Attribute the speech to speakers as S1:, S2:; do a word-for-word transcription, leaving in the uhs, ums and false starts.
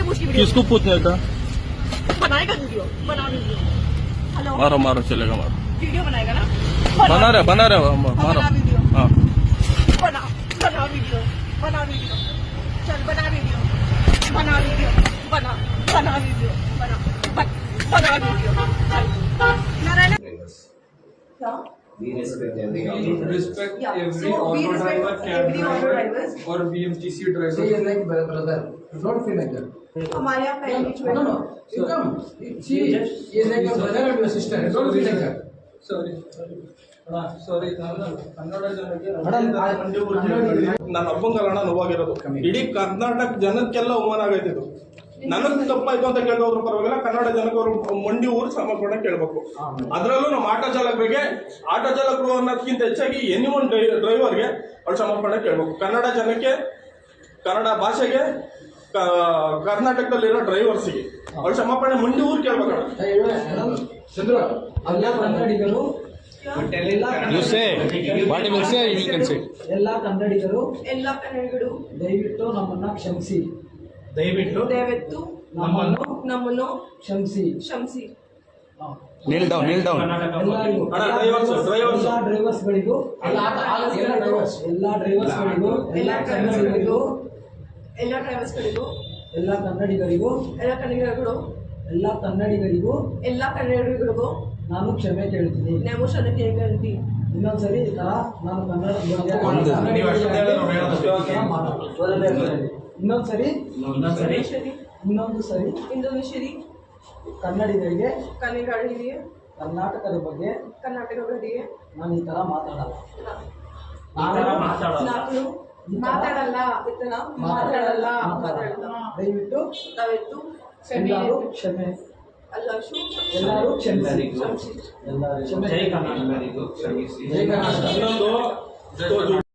S1: किसको पूछने का?
S2: बनाएगा वीडियो, बना वीडियो। हेलो,
S1: मारो मारो चलेगा मारो।
S2: वीडियो बनाएगा ना?
S1: बना रहे बना रहे मारो।
S2: बना वीडियो।
S1: हाँ
S2: बना बना वीडियो, बना वीडियो, चल बना वीडियो, बना वीडियो, बना बना वीडियो, बना बना वीडियो, चल नारायण क्या?
S3: We respect every
S4: We
S3: auto
S4: respect
S2: Yeah.
S4: every
S2: So, we
S4: auto
S2: respect
S4: driver, cab
S2: every auto
S4: driver,
S2: drivers.
S4: or B M T C driver.
S5: She is like brother. Don't feel like that.
S2: हमारे यहाँ पहली
S5: No, no. You come. She is like your brother or your sister. Don't feel like that.
S4: Sorry, sorry. ಸಾರಿ ಕನ್ನಡ ಜನಕ್ಕೆ
S6: ನನ್ನ ಅಪ್ಪಂಗಲ್ಲ ನೋವಾಗಿರೋದು ಇಡೀ ಕರ್ನಾಟಕ ಜನಕ್ಕೆಲ್ಲ ಅವಮಾನ ಆಗೈತೆ ಇದು. ನನಗ್ ತಪ್ಪಾಯ್ತು ಅಂತ ಕೇಳೋದ್ರ ಪರವಾಗಿಲ್ಲ, ಕನ್ನಡ ಜನಕ್ಕೆ ಅವರು ಮಂಡಿ ಊರು ಸಮರ್ಪಣೆ ಕೇಳಬೇಕು. ಅದರಲ್ಲೂ ನಮ್ಮ ಆಟೋ ಚಾಲಕರಿಗೆ, ಆಟೋ ಚಾಲಕರು ಅನ್ನೋದಕ್ಕಿಂತ ಹೆಚ್ಚಾಗಿ ಎನಿ ಒನ್ ಡ್ರೈವರ್ಗೆ ಅವ್ರು ಸಮರ್ಪಣೆ ಕೇಳಬೇಕು. ಕನ್ನಡ ಜನಕ್ಕೆ, ಕನ್ನಡ ಭಾಷೆಗೆ, ಕರ್ನಾಟಕದಲ್ಲಿರೋ ಡ್ರೈವರ್ಸಿಗೆ ಅವ್ರು ಸಮರ್ಪಣೆ ಮಂಡಿ ಊರು ಕೇಳ್ಬೇಕಣ್ಣ.
S5: ಚಂದ್ರ ಅಲ್ಲ ಕನ್ನಡಿಗರು
S1: You say what you will say you can say.
S5: ಎಲ್ಲ ಕನ್ನಡಿಗರು
S2: ಎಲ್ಲ ಕನ್ನಡಿಗರು
S5: ದಯವಿಟ್ಟು ನಮ್ಮನ್ನ ಕ್ಷಮಿಸಿ.
S4: ದಯವಿಟ್ಟು
S2: ದಯವಿಟ್ಟು
S5: ನಮ್ಮನ್ನು
S2: ನಮ್ಮನ್ನು
S5: ಕ್ಷಮಿಸಿ.
S2: ಕ್ಷಮಿಸಿ.
S1: Kneel down, kneel down.
S5: ಎಲ್ಲರಿಗೂ
S6: ಅಣ್ಣ ಡ್ರೈವರ್ಸ್ ಡ್ರೈವರ್ಸ್
S5: ಎಲ್ಲ ಡ್ರೈವರ್ಸ್ಗಳಿಗೂ ಎಲ್ಲ ಡ್ರೈವರ್ಸ್ ಎಲ್ಲ ಡ್ರೈವರ್ಸ್ಗಳಿಗೂ
S2: ಎಲ್ಲ ಡ್ರೈವರ್ಸ್ಗಳಿಗೂ ಎಲ್ಲ ಡ್ರೈವರ್ಸ್ಗಳಿಗೂ
S5: ಎಲ್ಲ ಕನ್ನಡಿಗರಿಗೂ
S2: ಎಲ್ಲ ಕನ್ನಡಿಗರು
S5: ಎಲ್ಲ ಕನ್ನಡಿಗರಿಗೂ
S2: ಎಲ್ಲ ಕನ್ನಡಿಗರಿಗೂ
S5: ನಾನು ಕ್ಷಮೆ ಕೇಳ್ತೀನಿ.
S2: ನಾವು ಕ್ಷಮೆ ಕೇಳ್ತೀವಿ.
S5: ಇನ್ನೊಂದ್ಸರಿ ಈ ತರ ನಾನು ಕನ್ನಡ
S4: ನೀವು ಅಷ್ಟೊಂದು ಹೇಳಿದ್ರೆ ನಾವು ಹೇಳೋದು
S5: ಇನ್ನೊಂದ್ಸರಿ
S2: ಇಂಡೋನೇಷಿಯರಿ
S5: ಇನ್ನೊಂದು ಸರಿ
S2: ಇಂಡೋನೇಷಿಯರಿ
S5: ಕನ್ನಡಿಗರಿಗೆ
S2: ಕನ್ನಡಿಗರಿಗೆ
S5: ಕರ್ನಾಟಕದ ಬಗ್ಗೆ
S2: ಕರ್ನಾಟಕಗಳಿಗೆ
S5: ನಾನು ಈ ತರ ಮಾತಾಡಲ್ಲ.
S2: ನಾನು ಮಾತಾಡಲ್ಲ ಇತರ ಮಾತಾಡಲ್ಲ ಮಾತಾಡಲ್ಲ.
S5: ದಯವಿಟ್ಟು
S2: ದಯವಿಟ್ಟು
S5: ಎಲ್ಲರೂ ಕ್ಷಮೆ
S2: ಎಲ್ಲರೂ
S5: ಎಲ್ಲರೂ ಕ್ಷಮಿಸಿ.
S2: ಕ್ಷಮಿಸಿ.
S5: ಎಲ್ಲರೂ ಕ್ಷಮೆ.
S3: ಜೈ ಕರ್ನಾಟಕರಿಗೂ ಕ್ಷಮಿಸಿ.
S5: ಜೈ ಕರ್ನಾಟಕ.
S6: ಇನ್ನೊಂದು